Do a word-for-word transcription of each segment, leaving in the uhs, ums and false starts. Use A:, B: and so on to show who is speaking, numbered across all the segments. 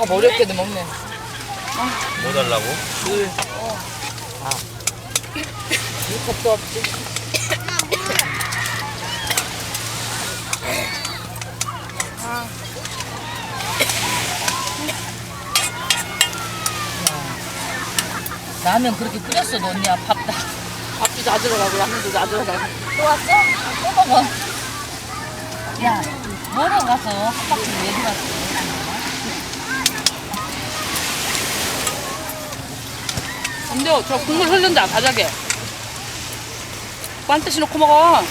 A: 밥 어렵게도 먹네.
B: 뭐 달라고?
A: 물. 어. 아. 물컵도 없지. 아. 라면 그렇게 끓였어, 너 언니야. 밥 다. 밥도 다 들어가고, 라면도 다 들어가고. 또 왔어? 또 먹어. 야, 뭐러 가서 한 바퀴 왜 들어왔어? 근데 저 국물 흐른다, 바닥에. 반드시 넣고 먹어.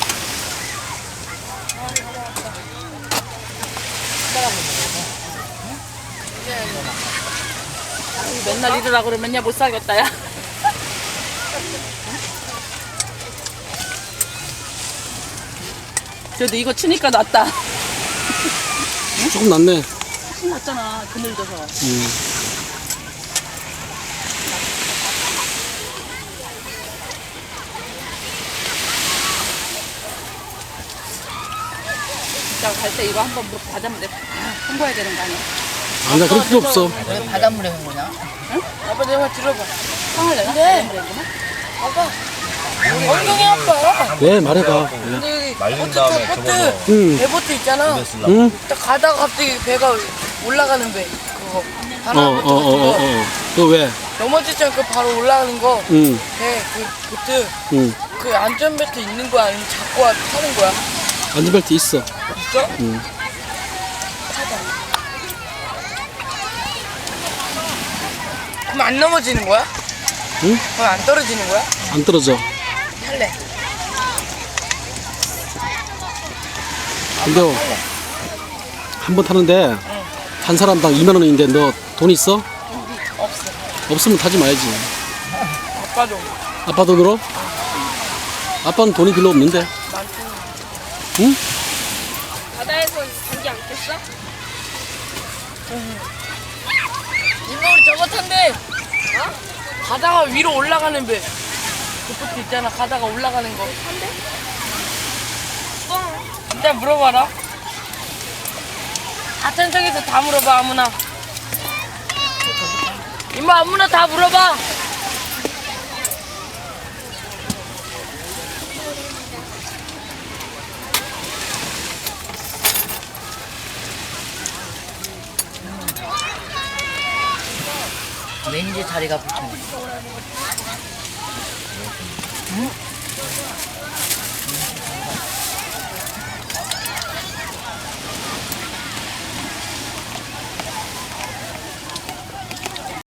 A: 맨날 이러라 그러면 맨날 못 살겠다, 야. 그래도 이거 치니까 낫다.
C: 조금 낫네.
A: 훨씬 낫잖아, 그늘져서.
C: 음.
A: 진짜 갈 때 이거 한번 물 받으면 돼. 아, 홍보해야 되는 거 아니야?
C: 아니다, 그럴 필요 없어.
A: 왜 바닷물에 한 거냐? 응? 아빠 내가 들어봐. 상을 내가? 네. 아빠. 엉덩이 아파.
C: 왜? 말해봐. 왜?
A: 근데 여기
B: 말린
A: 보트
B: 다음에
A: 타, 보트.
B: 접어서.
C: 응.
A: 배보트 있잖아.
B: 입에 쓰려고.
C: 응?
A: 딱 가다가 갑자기 배가 올라가는 배. 그거.
C: 어,
A: 바람
C: 어, 어, 어, 어. 너 왜?
A: 넘어지지 않고 바로 올라가는 거.
C: 응,
A: 배, 그 보트.
C: 응.
A: 그 안전벨트 있는 거야? 아니면 잡고 와- 타는 거야?
C: 안전벨트 있어.
A: 있어?
C: 응.
A: 그럼 안 넘어지는 거야?
C: 응?
A: 그럼 안 떨어지는 거야?
C: 안 떨어져.
A: 탈래.
C: 근데 한 번 타는데 한 사람당 이만 원인데 너 돈 있어?
A: 없어.
C: 없으면 타지 말지.
A: 아빠도
C: 아빠도 들어? 아빠는 돈이 별로 없는데.
A: 많고.
C: 응?
D: 바다에서 감기 안 꼈어?
A: 이모 우리 저거 탄대. 어? 가다가 위로 올라가는 배. 그 보트 있잖아. 가다가 올라가는 거. 탄대? 어. 일단 물어봐라. 하천석에서 다 물어봐 아무나. 이모 아무나 다 물어봐. 왠지 자리가 붙여. 응?